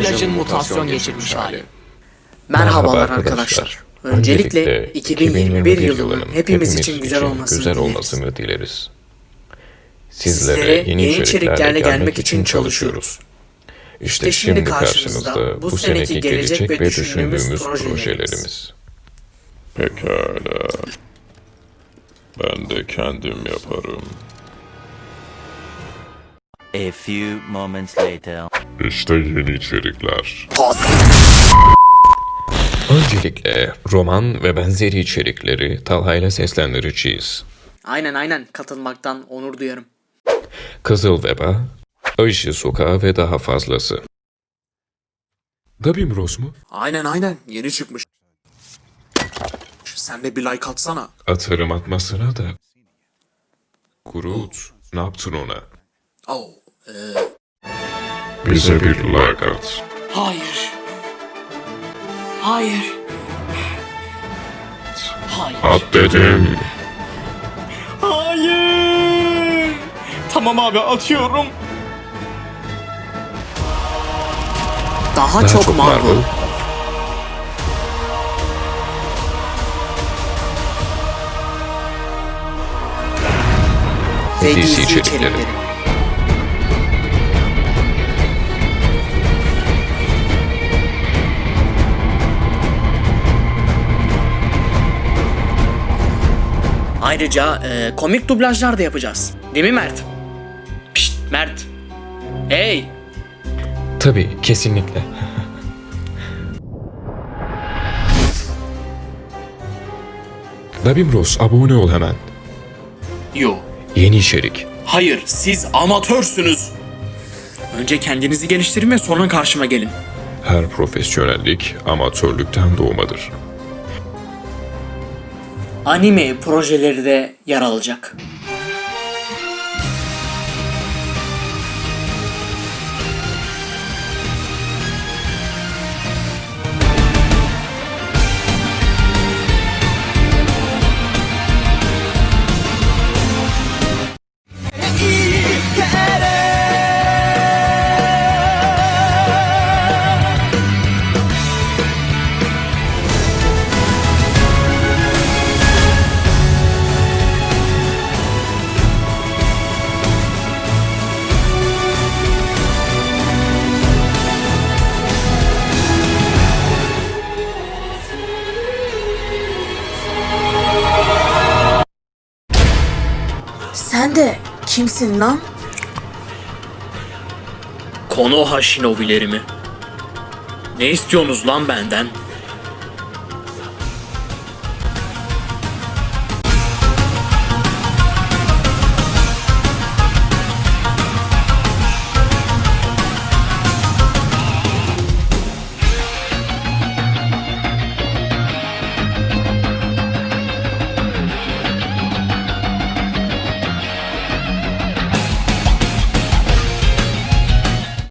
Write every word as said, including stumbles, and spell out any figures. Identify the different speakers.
Speaker 1: dublajın mutasyon geçirmiş hali.
Speaker 2: Merhabalar arkadaşlar. Öncelikle iki bin yirmi bir yılının hepimiz için güzel olmasını,
Speaker 3: güzel
Speaker 2: dileriz.
Speaker 3: olmasını dileriz.
Speaker 2: Sizlere
Speaker 3: Sizlere
Speaker 2: yeni içeriklerle gelmek için çalışıyoruz.
Speaker 3: İşte şimdi karşınızda bu seneki gelecek ve düşündüğümüz projelerimiz.
Speaker 4: Pekala. Ben de kendim yaparım.
Speaker 5: A few moments later.
Speaker 4: İşte yeni içerikler.
Speaker 3: Öncelikle roman ve benzeri içerikleri Talha ile seslendireceğiz.
Speaker 2: Aynen aynen katılmaktan onur duyarım.
Speaker 3: Kızıl Veba, Ayşe Sokağı ve daha fazlası.
Speaker 6: Dabim Rose mu?
Speaker 1: Aynen aynen yeni çıkmış. Sen de bir like atsana.
Speaker 6: Atarım atmasına da. Groot, ne yaptın ona?
Speaker 1: Oh,
Speaker 4: Bize bir like at.
Speaker 1: hayır. Hayır. Hayır.
Speaker 4: At dedim.
Speaker 1: Hayır. Tamam abi atıyorum. Daha,
Speaker 3: Daha
Speaker 1: çok,
Speaker 3: çok
Speaker 1: Marvel.
Speaker 3: Marvel.
Speaker 2: Ve
Speaker 3: D C
Speaker 2: gizli
Speaker 3: içerikleri.
Speaker 2: içerikleri. Ayrıca e, komik dublajlar da yapacağız. Değil mi Mert? Pişt Mert. Hey.
Speaker 3: Tabii, kesinlikle.
Speaker 6: Dabim Rose, abone ol hemen.
Speaker 1: Yo.
Speaker 3: Yeni içerik.
Speaker 1: Hayır siz amatörsünüz. Önce kendinizi geliştirin ve sonra karşıma gelin.
Speaker 6: Her profesyonellik amatörlükten doğmadır.
Speaker 2: Anime projeleri de yer alacak. Sen de kimsin lan?
Speaker 1: Konoha Shinobi'leri mi? Ne istiyorsunuz lan benden?